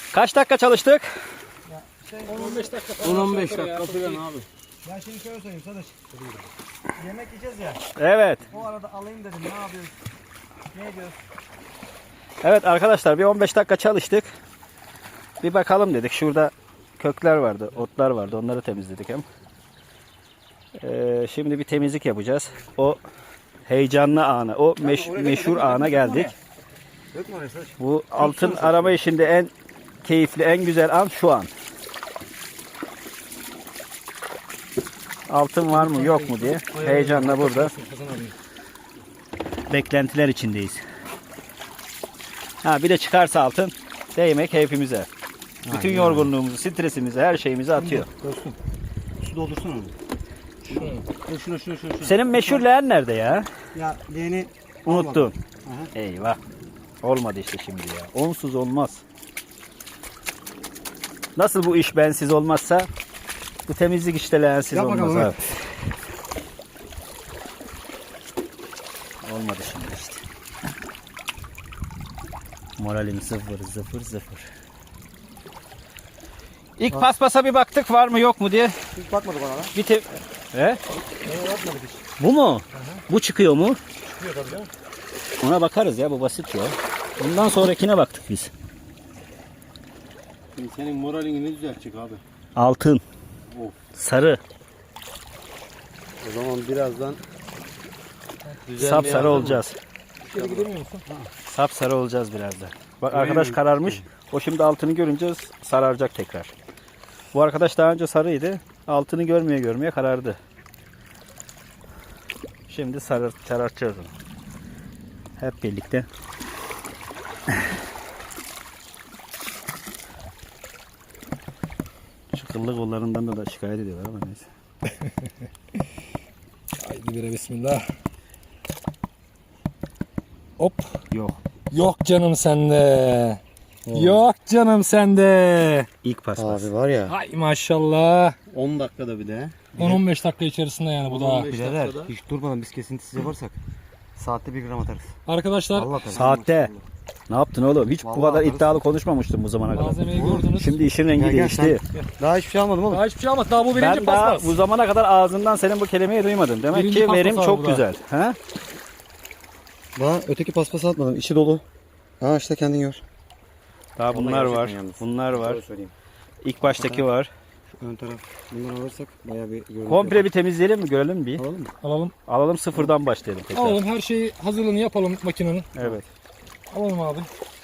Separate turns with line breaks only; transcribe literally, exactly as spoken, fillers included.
Kaç dakika çalıştık?
on on beş dakika.
on on beş dakika falan abi.
Ben şimdi şöyle söyleyeyim Sadıç. Yemek yiyeceğiz ya.
Evet.
O arada alayım dedim. Ne yapıyoruz? Ne ediyoruz?
Evet arkadaşlar bir on beş dakika çalıştık. Bir bakalım dedik. Şurada kökler vardı, otlar vardı. Onları temizledik hem. Ee, şimdi bir temizlik yapacağız. O heyecanlı ana, o meş, meşhur ana geldik. Bu altın arama işinde en keyifli, en güzel an şu an. Altın var mı yok mu diye heyecanla burada beklentiler içindeyiz. Ha bir de çıkarsa altın değmek hepimize. Bütün yorgunluğumuzu, stresimizi, her şeyimizi atıyor.
Dostum. Su doldursana onu. Şunu. Şunu şunu şunu.
Senin meşhur leğen nerede ya?
Ya leğeni
Unuttun. Eyvah. Olmadı işte şimdi ya. Onsuz olmaz. Nasıl bu iş bensiz olmazsa bu temizlik işte leğensiz
Yap
olmaz
bakalım,
abi.
evet.
Olmadı şimdi işte. Moralim sıfır sıfır sıfır. İlk paspasa bir baktık var mı yok mu diye.
Hiç bakmadık ona lan.
Bir te... He?
Ona bakmadık hiç.
Bu mu? Bu çıkıyor mu?
Çıkıyor tabii canım.
Ona bakarız ya, bu basit ya. Bundan sonrakine baktık biz.
Şimdi senin moralini ne düzeltecek abi?
Altın.
Of.
Sarı.
O zaman birazdan
Sap sarı olacağız.
İçeri gidemiyor musun?
Sap sarı olacağız birazdan. Bak
Öyle
arkadaş
mi?
kararmış. O şimdi altını görünce sararacak tekrar. Bu arkadaş daha önce sarıydı. Altını görmeye görmeye karardı. Şimdi sarı sarartacağız onu. Hep birlikte. Şu kıllı kollarından da, da şikayet ediyorlar ama neyse.
Haydi bire bismillah. Hop.
Yok.
Yok canım sende. Yok canım sende.
İlk paspas.
Abi var ya
Hay maşallah.
on dakikada bir de.
on on beş dakika içerisinde yani bu da.
on beş
Birader
dakikada.
hiç durmadan biz kesintisiz yaparsak saatte bir gram atarız.
Arkadaşlar
Allah tabii.
Saatte. Ne yaptın oğlum? Hiç bu
Vallahi
kadar
atarız.
iddialı konuşmamıştım bu zamana kadar.
malzemeyi gördünüz.
Şimdi işin rengi
Gel, gel
değişti.
Daha hiçbir şey almadım oğlum.
Daha hiçbir şey almadı. Daha bu birinci
Ben daha
paspas.
bu zamana kadar ağzından senin bu kelimeyi duymadım. Demek
Birinci
ki
paspas
verim
abi
çok
bu da.
güzel. Ha?
Daha öteki paspası atmadım. İçi dolu. Ha işte kendin gör.
Daha
Vallahi
bunlar var.
gerçekten yalnız.
Bunlar var.
Doğru söyleyeyim.
İlk baştaki var.
Şu ön taraf. Bundan alırsak bayağı bir görüntü.
Komple bir temizleyelim mi? Görelim bir.
alalım mı?
Alalım.
Alalım sıfırdan başlayalım tekrar.
Alalım her şeyi hazırlığını yapalım makinenin.
Evet.
Alalım abi.